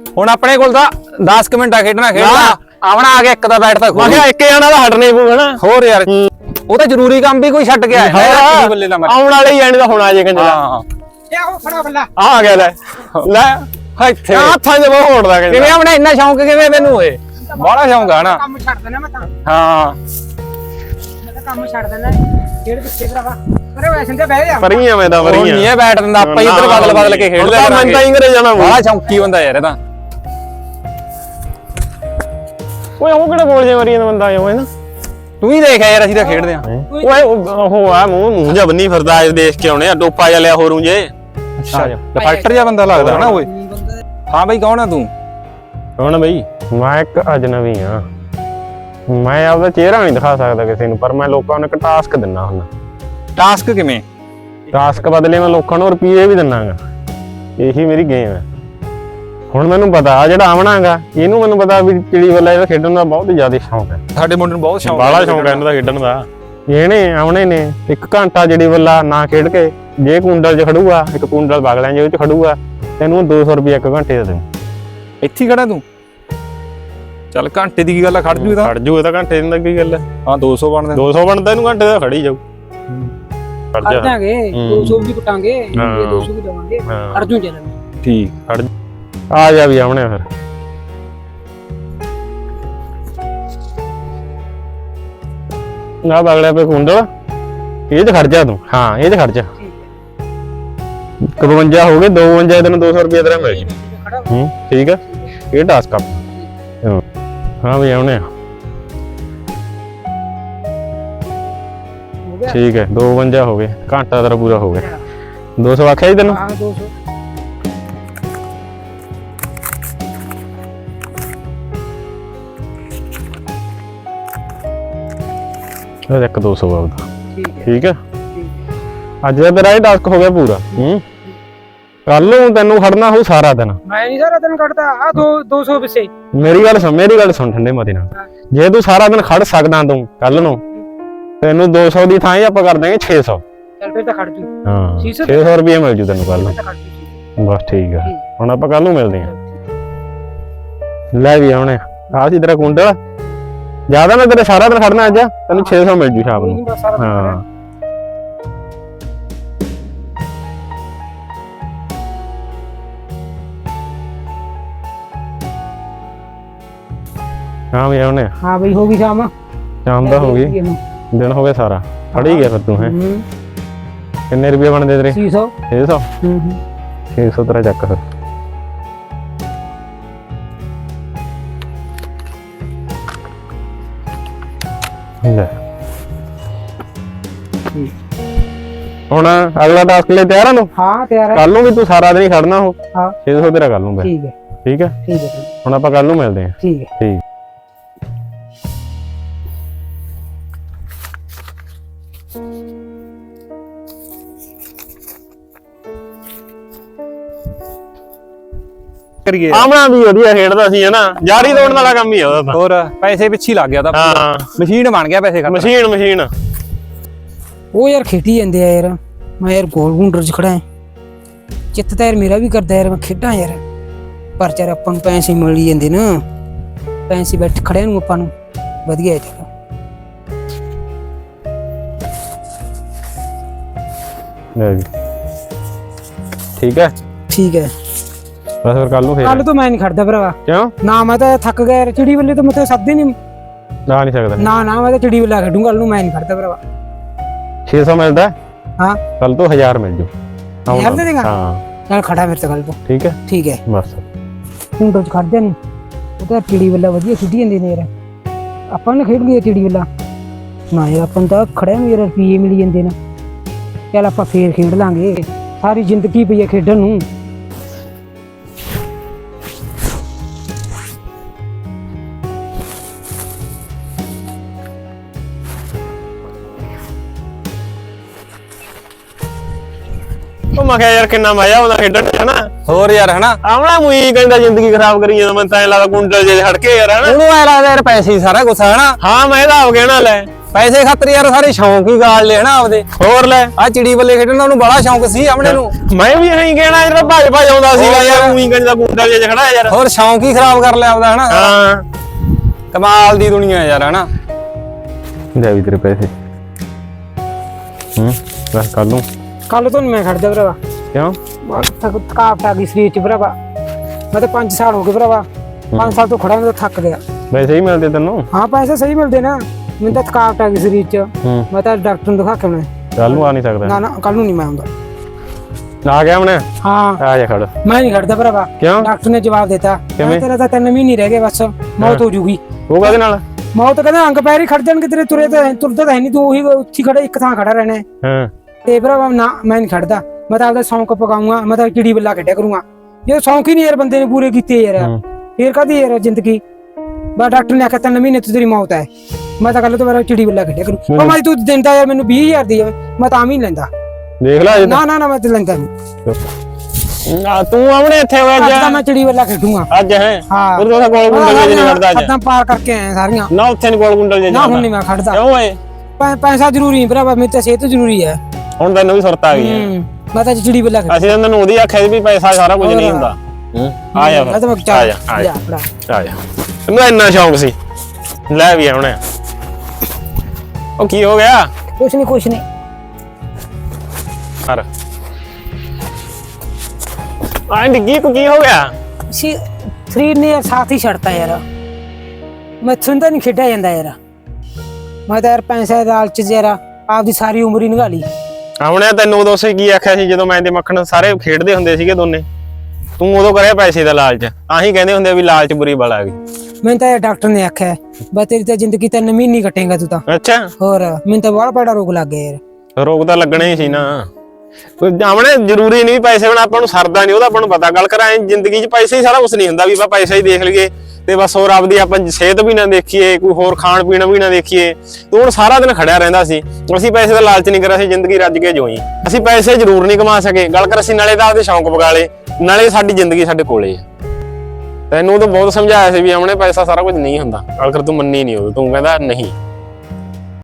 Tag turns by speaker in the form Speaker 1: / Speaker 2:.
Speaker 1: ਹੁਣ ਆਪਣੇ ਕੋਲ ਤਾਂ 10 ਮਿੰਟ ਆ ਖੇਡਣਾ ਆਵਣਾ ਆ ਗਿਆ ਇੱਕ ਦਾ ਬੈਠ ਤਾਂ
Speaker 2: ਮੈਂ ਕਿਹਾ ਇੱਕ ਜਣਾ ਦਾ ਹਟਣੇ ਪਊ ਹਨਾ।
Speaker 1: ਹੋਰ ਯਾਰ ਉਹ ਤਾਂ ਜ਼ਰੂਰੀ ਕੰਮ ਵੀ ਕੋਈ ਛੱਡ ਕੇ ਆਇਆ ਬੱਲੇ ਦਾ
Speaker 2: ਆਉਣ ਵਾਲੇ ਹੀ ਜਾਣੇ ਦਾ ਹੁਣ ਆ ਜੇ ਕੰਜਰਾ।
Speaker 1: ਹਾਂ
Speaker 3: ਉਹ ਫੜਾ ਬੱਲਾ
Speaker 2: ਆ ਗਿਆ ਲੈ
Speaker 1: ਇੱਥੇ
Speaker 2: ਹੱਥਾਂ 'ਚ ਬਹੁਤ ਹੋੜਦਾ ਕਹਿੰਦਾ।
Speaker 1: ਕਿਵੇਂ ਆਪਣਾ ਇੰਨਾ ਸ਼ੌਂਕ ਕਿਵੇਂ ਤੈਨੂੰ ਓਏ ਬੜਾ ਸ਼ੌਂਕ ਆ ਨਾ।
Speaker 3: ਕੰਮ ਛੱਡ ਦੇਣਾ ਮੈਂ ਤਾਂ
Speaker 1: ਹਾਂ
Speaker 3: ਕੰਮ ਛੱਡ ਦੇਣਾ ਖੇਡ ਪਿੱਛੇ ਭਰਾਵਾ ਅਰੇ ਵੈਸੇ ਤੇ ਬਹਿ ਜਾ
Speaker 2: ਪਰੀਆਂ ਮੈਂ ਤਾਂ
Speaker 1: ਉਹ ਨਹੀਂ
Speaker 2: ਪਰੀਆਂ
Speaker 1: ਇਹ ਬੈਠ ਦਿੰਦਾ ਆਪਾਂ ਇੱਧਰ ਬਦਲ ਕੇ ਖੇਡ ਲਿਆ
Speaker 2: ਮੈਂ ਤਾਂ ਇੰਗਰੇ ਜਾਣਾ
Speaker 1: ਬੜਾ ਸ਼ੌਂਕੀ ਬੰਦਾ ਯਾਰ ਇਹ ਤਾਂ।
Speaker 2: ਓਏ ਉਹ ਕਿਹੜਾ ਬੋਲ ਜੇ ਮਰੀ ਜਾਂਦਾ ਬੰਦਾ ਓਏ ਨਾ।
Speaker 1: ਤੂੰ ਹੀ ਦੇਖ ਯਾਰ ਅਸੀਂ ਤਾਂ ਖੇਡਦੇ ਆ।
Speaker 2: ਓਏ ਉਹ ਆ ਮੂੰਹ ਜਾ ਬੰਨੀ ਫਿਰਦਾ ਅੱਜ ਦੇਖ ਕੇ ਆਉਣੇ ਆ ਡੋਪਾ ਜਾ ਲਿਆ ਹੋਰੂ ਜੇ।
Speaker 1: ਅੱਛਾ ਡਿਫੈਕਟਰ ਜਿਹਾ ਬੰਦਾ ਲੱਗਦਾ ਨਾ ਓਏ। ਹਾਂ ਬਈ ਕੌਣ ਆ ਤੂੰ?
Speaker 2: ਕੌਣ ਬਈ? ਮੈਂ ਇੱਕ ਅਜਨਬੀ ਆ। ਮੈਂ ਆਪਦਾ ਚਿਹਰਾ ਨਹੀਂ ਦਿਖਾ ਸਕਦਾ ਕਿਸੇ ਨੂੰ ਪਰ ਮੈਂ ਲੋਕਾਂ ਨੂੰ ਇੱਕ ਟਾਸਕ ਦਿੰਨਾ ਹੁੰਦਾ।
Speaker 1: ਟਾਸਕ ਕਿਵੇਂ?
Speaker 2: ਟਾਸਕ ਬਦਲੇ ਮੈਂ ਲੋਕਾਂ ਨੂੰ ਰੁਪਈਏ ਵੀ ਦਿੰਨਾਗਾ। ਇਹੀ ਮੇਰੀ ਗੇਮ ਹੈ। ਹੁਣ ਮੈਨੂੰ ਪਤਾ ਆ ਜਿਹੜਾ ਆਵਣਾਗਾ ਇਹਨੂੰ ਮੈਨੂੰ ਪਤਾ ਵੀ ਚਿੜੀ ਵੱਲਾ ਇਹਦਾ ਖੇਡਣ ਦਾ ਬਹੁਤ ਜ਼ਿਆਦਾ ਸ਼ੌਂਕ ਹੈ।
Speaker 1: ਸਾਡੇ ਮੁੰਡੇ ਨੂੰ ਬਹੁਤ ਸ਼ੌਂਕ
Speaker 2: ਬਾਲਾ ਸ਼ੌਂਕ ਹੈ ਇਹਨਾਂ ਦਾ ਖੇਡਣ ਦਾ। ਇਹਨੇ ਆਵਣੇ ਨੇ 1 ਘੰਟਾ ਚਿੜੀ ਵੱਲਾ ਨਾ ਖੇਡ ਕੇ ਜੇ ਕੁੰਡਲ 'ਚ ਖੜੂਗਾ ਇੱਕ ਕੁੰਡਲ ਬਾਗਲਿਆਂ ਦੇ ਵਿੱਚ ਖੜੂਗਾ ਤੈਨੂੰ 200 ਰੁਪਏ 1 ਘੰਟੇ ਦਾ ਦੇਊ।
Speaker 1: ਇੱਥੇ ਖੜਾ ਤੂੰ? ਚੱਲ ਘੰਟੇ ਦੀ ਕੀ ਗੱਲ ਆ ਖੜ ਜੂ ਇਹਦਾ।
Speaker 2: ਖੜ ਜੂ ਇਹ ਤਾਂ ਘੰਟੇ ਦੀ ਕੀ ਗੱਲ ਹੈ।
Speaker 1: ਹਾਂ 200 ਬਣਦਾ
Speaker 2: 200 ਬਣਦਾ ਇਹਨੂੰ ਘੰਟੇ ਦਾ ਖੜੀ ਜਾਊ। ਖੜ ਜਾ।
Speaker 3: ਦਾਂਗੇ 200 ਵੀ ਕੁਟਾਂਗੇ 200 ਵੀ ਦਵਾਂਗੇ ਅਰਜੂ ਚੱਲਾਂਗੇ।
Speaker 1: ਠੀਕ
Speaker 2: ਖੜ ਆ ਜਾ ਵੀ ਆਵਣੇ ਫਿਰ। ਨਾ ਬਾਗਲਿਆਂ ਪੇ ਕੁੰਡਲ ਇਹ ਤੇ ਖੜ ਜਾ ਤੂੰ। ਹਾਂ ਇਹ ਤੇ ਖੜ ਜਾ। 52 ਹੋ ਗਏ 52 ਤੈਨੂੰ 200 ਰੁਪਏ ਤੇਰਾ ਮਿਲ ਜੂ। ਠੀਕ ਹੈ ਇਹ ਟਾਸਕ ਆ। ਹਾਂ ਵੀ ਆਉਣੇ ਆ। ਠੀਕ ਹੈ 52 ਹੋ ਗਏ ਘੰਟਾ ਤੇਰਾ ਪੂਰਾ ਹੋ ਗਿਆ। 200 ਆਖਿਆ ਜੀ ਤੈਨੂੰ?
Speaker 3: ਹਾਂ 200
Speaker 2: ਇਹ ਇੱਕ 200 ਆਉਦਾ।
Speaker 3: ਠੀਕ ਹੈ
Speaker 2: ਠੀਕ ਹੈ ਅੱਜ ਦਾ ਤੇਰਾ ਇਹ ਟਾਸਕ ਹੋ ਗਿਆ ਪੂਰਾ। ਕੱਲ ਨੂੰ ਤੈਨੂੰ ਖੜਨਾ ਹੋ ਸਾਰਾ ਦਿਨ।
Speaker 3: ਮੈਂ ਨਹੀਂ ਸਾਰਾ ਦਿਨ ਕੱਢਦਾ ਆ 200 ਪਿੱਛੇ।
Speaker 2: ਮੇਰੀ ਗੱਲ ਸੁਣ ਠੰਡੇ ਮਤੇ ਨਾਲ। ਜੇ ਤੂੰ ਸਾਰਾ ਦਿਨ ਖੜ ਸਕਦਾ ਤੂੰ ਕੱਲ ਨੂੰ ਤੈਨੂੰ 200 ਦੀ ਥਾਂ ਹੀ ਆਪਾਂ ਕਰ ਦਾਂਗੇ 600।
Speaker 3: ਚੱਲ ਫਿਰ ਤਾਂ ਖੜ ਜੂ।
Speaker 2: ਹਾਂ 600 ਰੁਪਏ ਮਿਲ ਜੂ ਤੈਨੂੰ ਕੱਲ ਨੂੰ। ਬਸ ਠੀਕ ਆ ਹੁਣ ਆਪਾਂ ਕੱਲ ਨੂੰ ਮਿਲਦੇ ਆਂ। ਲੈ ਵੀ ਆਉਣੇ ਆ ਸੀ ਤੇਰਾ ਕੁੰਡਲ। ਜਿਆਦਾ ਮੈਂ ਤੇਰੇ ਸਾਰਾ ਦਿਨ ਖੜਨਾ ਅੱਜ ਤੈਨੂੰ 600 ਮਿਲ ਜੂ ਸ਼ਾਮ ਨੂੰ। ਹਾਂ ਹਾਂ ਵੀ ਆਉਣੇ ਆ।
Speaker 3: ਹਾਂ ਬਈ ਹੋ ਗਈ ਸ਼ਾਮ
Speaker 2: ਸ਼ਾਮ ਦਾ ਹੋ ਗਈ ਦਿਨ ਹੋ ਗਿਆ ਸਾਰਾ ਖੜ ਹੀ ਗਿਆ ਫਿਰ ਤੂੰ ਹੈ। ਕਿੰਨੇ ਰੁਪਏ ਬਣਦੇ ਤੇਰੇ?
Speaker 3: 600
Speaker 2: 600 600 ਤੇਰਾ ਚੱਕ ਫਿਰ। ਲੈ ਹੁਣ ਅਗਲਾ ਟਾਸਕ ਲਈ ਤਿਆਰ ਆ ਨੂੰ?
Speaker 3: ਹਾਂ ਤਿਆਰ ਹੈ।
Speaker 2: ਕੱਲ ਨੂੰ ਵੀ ਤੂੰ ਸਾਰਾ ਦਿਨ ਹੀ ਖੜਨਾ ਹੋ।
Speaker 3: ਹਾਂ
Speaker 2: 600 ਤੇਰਾ ਕੱਲ ਨੂੰ ਬੈ।
Speaker 3: ਠੀਕ ਹੈ
Speaker 2: ਠੀਕ ਹੈ
Speaker 3: ਠੀਕ ਹੈ
Speaker 2: ਹੁਣ ਆਪਾਂ ਕੱਲ ਨੂੰ ਮਿਲਦੇ ਆਂ।
Speaker 3: ਠੀਕ ਹੈ।
Speaker 2: ਠੀਕ
Speaker 1: ਕਰੀਏ
Speaker 2: ਆਮਣਾ ਵੀ ਵਧੀਆ ਖੇਡਦਾ ਸੀ ਹਨਾ। ਜਾਰੀ ਦੌੜਨ ਵਾਲਾ ਕੰਮ ਹੀ ਆ ਉਹਦਾ ਤਾਂ।
Speaker 1: ਹੋਰ ਪੈਸੇ ਪਿੱਛੇ ਲੱਗ ਗਿਆ ਤਾਂ
Speaker 2: ਹਾਂ
Speaker 1: ਮਸ਼ੀਨ ਬਣ ਗਿਆ ਪੈਸੇ ਖਰਚ।
Speaker 2: ਮਸ਼ੀਨ
Speaker 3: ਉਹ ਯਾਰ ਖੇਡੀ ਜਾਂਦੇ ਆ ਯਾਰ। ਮੈਂ ਯਾਰ ਗੋਲ ਗੁੰਡਰ ਚ ਖੜਾ ਹਾਂ। ਚਿੱਤ ਤਾਂ ਯਾਰ ਮੇਰਾ ਵੀ ਕਰਦਾ ਯਾਰ ਮੈਂ ਖੇਡਾਂ ਯਾਰ। ਪਰ ਯਾਰ ਆਪਾਂ ਨੂੰ ਪੈਸੇ ਮਿਲ ਹੀ ਜਾਂਦੇ ਨਾ। ਪੈਸੇ ਬੈਠ ਖੜਿਆਂ ਨੂੰ ਆਪਾਂ ਨੂੰ ਵਧੀਆ ਹੈ।
Speaker 2: ਲੈ ਜੀ ਠੀਕ ਹੈ
Speaker 3: ਠੀਕ ਹੈ
Speaker 2: ਬਸ ਫਿਰ ਕੱਲ ਨੂੰ ਫੇਰ
Speaker 3: ਕੱਲ ਤੋਂ ਮੈਂ ਨਹੀਂ ਖੜਦਾ ਭਰਾਵਾ।
Speaker 2: ਕਿਉਂ?
Speaker 3: ਨਾ ਮੈਂ ਤਾਂ ਥੱਕ ਗਿਆ ਯਾਰ। ਚਿੜੀ ਵੱਲੇ ਤਾਂ ਮੈਂ ਸੱਦੇ ਨਹੀਂ।
Speaker 2: ਨਾ ਨਹੀਂ ਸਕਦਾ।
Speaker 3: ਨਾ ਮੈਂ ਤਾਂ ਚਿੜੀ ਵੱਲਾ ਖੇਡੂੰ। ਕੱਲ ਨੂੰ ਮੈਂ ਨਹੀਂ ਖੜਦਾ ਭਰਾਵਾ।
Speaker 2: 600 ਮਿਲਦਾ।
Speaker 3: ਹਾਂ
Speaker 2: ਕੱਲ ਤੋਂ 1000 ਮਿਲ ਜੂ।
Speaker 3: 1000 ਦੇ ਦੇਗਾ?
Speaker 2: ਹਾਂ
Speaker 3: ਚੱਲ ਖੜਾ ਮੇਰੇ ਤੋਂ ਕੱਲ ਤੋਂ।
Speaker 2: ਠੀਕ ਹੈ
Speaker 3: ਠੀਕ ਹੈ
Speaker 2: ਬਸ
Speaker 3: ਗੁੰਡਰ ਚ ਖੜਦੇ ਨੇ। ਉਹ ਤਾਂ ਚਿੜੀ ਵੱਲਾ ਵਧੀਆ ਖੇਡੀ ਜਾਂਦੇ ਨੇ ਯਾਰ। ਆਪਾਂ ਨੇ ਖੇਡ ਲਈ ਚਿੜੀ ਵੱਲਾ ਨਾ ਯਾਰ। ਆਪਾਂ ਨੂੰ ਤਾਂ ਖੜਿਆਂ ਨੂੰ ਯਾਰ ਰੁਪਈਏ ਮਿਲ ਜਾਂਦੇ ਨੇ। ਚੱਲ ਆਪਾਂ ਫੇਰ ਖੇਡ ਲਾਂਗੇ। ਸਾਰੀ ਜ਼ਿੰਦਗੀ ਪਈ ਹੈ ਖੇਡਣ ਨੂੰ।
Speaker 2: ਉਹ ਮੈਂ ਕਿਹਾ ਯਾਰ ਕਿੰਨਾ ਮਜ਼ਾ ਆਉਂਦਾ ਖੇਡਣ ਚ ਹਨਾ।
Speaker 1: ਹੋਰ ਯਾਰ ਹਨਾ
Speaker 2: ਆਵਣਾ ਮੂਈ ਕਹਿੰਦਾ ਜ਼ਿੰਦਗੀ ਖਰਾਬ ਕਰੀ ਜਾਂਦਾ। ਮੈਂ ਤਾਂ ਐ ਲੱਗਦਾ ਕੁੰਡਲ ਜੇ ਹਟ ਕੇ ਯਾਰ ਹਨਾ।
Speaker 1: ਉਹਨੂੰ ਐ ਲੱਗਦਾ ਯਾਰ ਪੈਸੇ ਹੀ ਸਾਰਾ ਕੁਛ ਹਨਾ।
Speaker 2: ਹਾਂ ਮੈਂ ਇਹਦਾ ਹੋ ਗਿਆ ਨਾ ਲੈ
Speaker 1: ਪੈਸੇ ਖਾਤਰ ਯਾਰ ਸਾਰੇ ਸ਼ੌਂਕ ਹੀ ਗਾਲ ਲੈ ਹਨਾ ਆਪਦੇ।
Speaker 2: ਹੋਰ ਲੈ
Speaker 1: ਆ ਚਿੜੀ ਬੱਲੇ ਖੇਡਣ ਦਾ ਉਹਨੂੰ ਬੜਾ ਸ਼ੌਂਕ ਸੀ ਆਪਣੇ ਨੂੰ।
Speaker 2: ਮੈਂ ਵੀ ਇਹੀ ਕਹਿਣਾ ਜਿਹੜਾ ਭੱਜ ਆਉਂਦਾ ਸੀਗਾ ਯਾਰ ਉਹੀ ਗੰਜ ਦਾ ਗੁੰਡਾ ਜਿਹਾ ਖੜਾ ਯਾਰ।
Speaker 1: ਹੋਰ ਸ਼ੌਂਕ ਹੀ ਖਰਾਬ ਕਰ ਲਿਆ ਆਪਦਾ ਹਨਾ।
Speaker 2: ਹਾਂ
Speaker 1: ਕਮਾਲ ਦੀ ਦੁਨੀਆ ਯਾਰ ਹਨਾ।
Speaker 2: ਲੈ ਵੀ ਤੇਰੇ ਪੈਸੇ ਬਸ
Speaker 3: ਕੱਲ ਤੋਂ ਨੀ ਮੈਂ ਖੜਦਾ ਭਰਾਵਾ।
Speaker 2: ਕਿਉਂ?
Speaker 3: ਥਕਾਵਟ ਆ ਗਈ ਸਰੀਰ ਚ ਭਰਾਵਾ। ਮੈਂ ਤਾਂ 5 ਸਾਲ ਹੋ ਗਏ ਭਰਾਵਾ। 5 ਸਾਲ ਤੋਂ ਖੜਾ ਮੈਂ ਤਾਂ ਥੱਕ ਗਿਆ।
Speaker 2: ਪੈਸੇ ਹੀ ਮਿਲਦੇ ਤੈਨੂੰ?
Speaker 3: ਹਾਂ ਪੈਸੇ ਸਹੀ ਮਿਲਦੇ ਨਾ। ਮੈਨੂੰ ਤਾਂ ਥਕਾਵਟ ਆ ਗਈ ਸਰੀਰ ਚ। ਮੈਂ ਤਾਂ ਡਾਕਟਰ ਨੂੰ ਦਿਖਾ ਕੇ ਆਉਣਾ।
Speaker 2: ਕੱਲ ਨੂੰ ਆ ਨਹੀਂ ਸਕਦਾ?
Speaker 3: ਨਾ ਕੱਲ ਨੂੰ ਨਹੀਂ ਮੈਂ ਆਉਂਦਾ।
Speaker 2: ਆ ਗਿਆ ਹੁਣ?
Speaker 3: ਹਾਂ
Speaker 2: ਆ ਜਾ ਖੜ।
Speaker 3: ਮੈਂ ਨਹੀਂ ਖੜਦਾ ਭਰਾਵਾ।
Speaker 2: ਕਿਉਂ?
Speaker 3: ਡਾਕਟਰ ਨੇ ਜਵਾਬ ਦਿੱਤਾ ਤੇਰਾ ਤਾਂ 3 ਮਹੀਨੇ ਰਹਿ ਗਏ ਬਸ ਮੌਤ ਹੋ ਜੂਗੀ।
Speaker 2: ਉਹ ਕਾਹਦੇ ਨਾਲ?
Speaker 3: ਮੌਤ ਕਹਿੰਦਾ ਅੰਗ ਪੈਰ ਹੀ ਖੜ ਜਾਣਗੇ ਤੇਰੇ। ਤੁਰਦਾ ਤਾਂ ਹੈ ਨਹੀਂ ਤੂੰ। ਉਹੀ ਉੱਥੇ ਖੜਾ ਇੱਕ ਥਾਂ ਖੜਾ ਰਹਿਣਾ।
Speaker 2: ਹਾਂ
Speaker 3: ਤੇ ਭਰਾਵਾ ਨਾ ਮੈਂ ਨਹੀਂ ਖੜਦਾ। ਮੈਂ ਤਾਂ ਆਪਦਾ ਸ਼ੌਂਕ ਪਕਾਉਂਗਾ। ਮੈਂ ਤਾਂ ਚਿੜੀ ਬੱਲਾ ਖੇਡਿਆ ਕਰੂੰਗਾ। ਜੇ ਸ਼ੌਂਕ ਹੀ ਨਹੀਂ ਯਾਰ ਬੰਦੇ ਨੇ ਪੂਰੇ ਕੀਤੇ ਯਾਰ ਫੇਰ ਕਾਹਦੀ ਯਾਰ ਜ਼ਿੰਦਗੀ। ਬਸ ਡਾਕਟਰ ਨੇ ਆਖਿਆ 3 ਮਹੀਨੇ ਤੋਂ ਤੇਰੀ ਮੌਤ ਹੈ। ਮੈਂ ਤਾਂ ਕੱਲ ਤੋਂ ਮੇਰਾ ਚਿੜੀ ਬੱਲਾ ਖੇਡਿਆ ਕਰੂੰ। ਉਹ ਮੈਂ ਤੂੰ ਦਿੰਦਾ ਯਾਰ ਮੈਨੂੰ 20,000 ਦੀ ਮੈਂ ਤਾਂ ਵੀ ਨਹੀਂ ਲੈਂਦਾ।
Speaker 2: ਦੇਖ ਲੈ
Speaker 3: ਨਾ ਮੈਂ ਤੇ ਲੈਂਦਾ ਨਹੀਂ।
Speaker 2: ਤੂੰ ਆਵਣੇ ਇੱਥੇ ਹੋਇਆ
Speaker 3: ਅੱਜ ਤਾਂ ਮੈਂ ਚਿੜੀ ਬੱਲਾ ਖੇਡੂੰਗਾ
Speaker 2: ਅੱਜ। ਹੈ
Speaker 3: ਹਾਂ
Speaker 2: ਉਹ ਤਾਂ ਗੋਲ ਗੁੰਡਲ ਜੇ ਨਹੀਂ ਖੜਦਾ ਅੱਜ।
Speaker 3: ਹੱਦਾਂ ਪਾਰ ਕਰਕੇ ਆਏ ਸਾਰੀਆਂ।
Speaker 2: ਨਾ ਉੱਥੇ ਨਹੀਂ ਗੋਲ ਗੁੰਡਲ ਜੇ
Speaker 3: ਨਾ ਹੁਣ ਨਹੀਂ ਮੈਂ ਖੜਦਾ।
Speaker 2: ਕਿਉਂ ਓਏ?
Speaker 3: ਪੈਸਾ ਜ਼ਰੂਰੀ ਨਹੀਂ ਭਰਾਵਾ। ਮੇਰੀ ਤਾਂ ਸਿਹਤ ਜ਼ਰੂਰੀ ਹੈ।
Speaker 2: ਹੁਣ ਤੈਨੂੰ ਵੀ ਸੁਰਤ ਆ ਗਈ ਹੈ।
Speaker 3: ਮੈਂ ਤਾਂ ਚਿੜੀ ਬੱਲਾ ਖੇਡ।
Speaker 2: ਅਸੀਂ ਤੈਨੂੰ ਉਹਦੀ ਆਖਿਆ ਵੀ ਪੈਸਾ ਸਾਰਾ ਕੁਝ ਨਹੀਂ ਹੁੰਦਾ। ਆ ਜਾ
Speaker 3: ਮੈਂ ਤਾਂ
Speaker 2: ਆ ਜਾ ਆ ਜਾ ਆ ਜਾ। ਤੈਨੂੰ ਇੰਨਾ ਸ਼ੌਂਕ ਸੀ। ਲੈ ਵੀ ਆਉਣਾ। ਉਹ ਕੀ ਹੋ ਗਿਆ?
Speaker 3: ਕੁਛ ਨਹੀਂ
Speaker 2: ਹਰ ਆ ਡਿੱਗੀ ਕੀ ਹੋ ਗਿਆ?
Speaker 3: ਸਰੀਰ ਨੇ ਯਾਰ ਸਾਥ ਹੀ ਛੱਡਤਾ ਯਾਰ। ਮੈਂ ਸੁਣਦਾ ਨਹੀਂ ਖੇਡਿਆ ਜਾਂਦਾ ਯਾਰ। ਮੈਂ ਤਾਂ ਯਾਰ ਪੈਸੇ ਦੇ ਲਾਲਚ ਚ ਯਾਰ ਆਪਦੀ ਸਾਰੀ ਉਮਰ ਹੀ ਨਿਭਾ ਲਈ।
Speaker 2: ਆਉਣਿਆ ਤੈਨੂੰ ਉਦੋਂ ਸੇ ਕੀ ਆਖਿਆ ਸੀ ਜਦੋਂ ਮੈਂ ਤੇ ਮੱਖਣ ਸਾਰੇ ਖੇਡਦੇ ਹੁੰਦੇ ਸੀਗੇ ਦੋਨੇ? ਤੂੰ ਉਦੋਂ ਕਰਿਆ ਪੈਸੇ ਦਾ ਲਾਲਚ। ਆਹੀ ਕਹਿੰਦੇ ਹੁੰਦੇ ਵੀ ਲਾਲਚ ਬੁਰੀ ਬਲਾ ਗਈ।
Speaker 3: ਮੈਨੂੰ ਤਾਂ ਯਾਰ ਡਾਕਟਰ ਨੇ ਆਖਿਆ ਬਸ ਤੇਰੀ ਤਾਂ ਜ਼ਿੰਦਗੀ 3 ਮਹੀਨੇ ਕੱਟੇਗਾ ਤੂੰ ਤਾਂ।
Speaker 2: ਅੱਛਾ
Speaker 3: ਹੋਰ ਮੈਨੂੰ ਤਾਂ ਬੜਾ ਬੜਾ ਰੋਗ ਲੱਗ ਗਿਆ ਯਾਰ।
Speaker 2: ਰੋਗ ਤਾਂ ਲੱਗਣਾ ਹੀ ਸੀ ਨਾ। ਆਵਣੇ ਜ਼ਰੂਰੀ ਨਹੀਂ ਪੈਸੇ ਹੁਣ ਆਪਾਂ ਨੂੰ ਸਰਦਾ ਨਹੀਂ ਉਹਦਾ ਆਪਾਂ ਨੂੰ ਪਤਾ। ਗੱਲ ਕਰਾਂ ਜ਼ਿੰਦਗੀ 'ਚ ਪੈਸੇ ਹੀ ਸਾਰਾ ਕੁਝ ਨਹੀਂ ਹੁੰਦਾ ਵੀ ਆਪਾਂ ਪੈਸਾ ਹੀ ਦੇਖ ਲਈਏ ਤੇ ਬਸ ਹੋਰ ਆਪਦੀ ਆਪਾਂ ਸਿਹਤ ਵੀ ਨਾ ਦੇਖੀਏ ਕੋਈ ਹੋਰ ਖਾਣ ਪੀਣ ਵੀ ਨਾ ਦੇਖੀਏ। ਤੂੰ ਹੁਣ ਸਾਰਾ ਦਿਨ ਖੜਿਆ ਰਹਿੰਦਾ ਸੀ। ਅਸੀਂ ਪੈਸੇ ਦਾ ਲਾਲਚ ਨਹੀਂ ਕਰਿਆ ਸੀ ਜ਼ਿੰਦਗੀ ਰੱਜ ਕੇ ਜੋਈ। ਅਸੀਂ ਪੈਸੇ ਜ਼ਰੂਰ ਨਹੀਂ ਕਮਾ ਸਕੇ। ਗੱਲ ਕਰ ਅਸੀਂ ਨਾਲੇ ਤਾਂ ਆਪਦੇ ਸ਼ੌਂਕ ਪਗਾ ਲਏ ਨਾਲੇ ਸਾਡੀ ਜ਼ਿੰਦਗੀ ਸਾਡੇ ਕੋਲੇ ਆ। ਤੈਨੂੰ ਤਾਂ ਬਹੁਤ ਸਮਝਾਇਆ ਸੀ ਵੀ ਆਵਣੇ ਪੈਸਾ ਸਾਰਾ ਕੁਝ ਨਹੀਂ ਹੁੰਦਾ। ਗੱਲ ਕਰ ਤੂੰ ਮੰਨੀ ਨਹੀਂ ਉਦੋਂ। ਤੂੰ ਕਹਿੰਦਾ ਨਹੀਂ।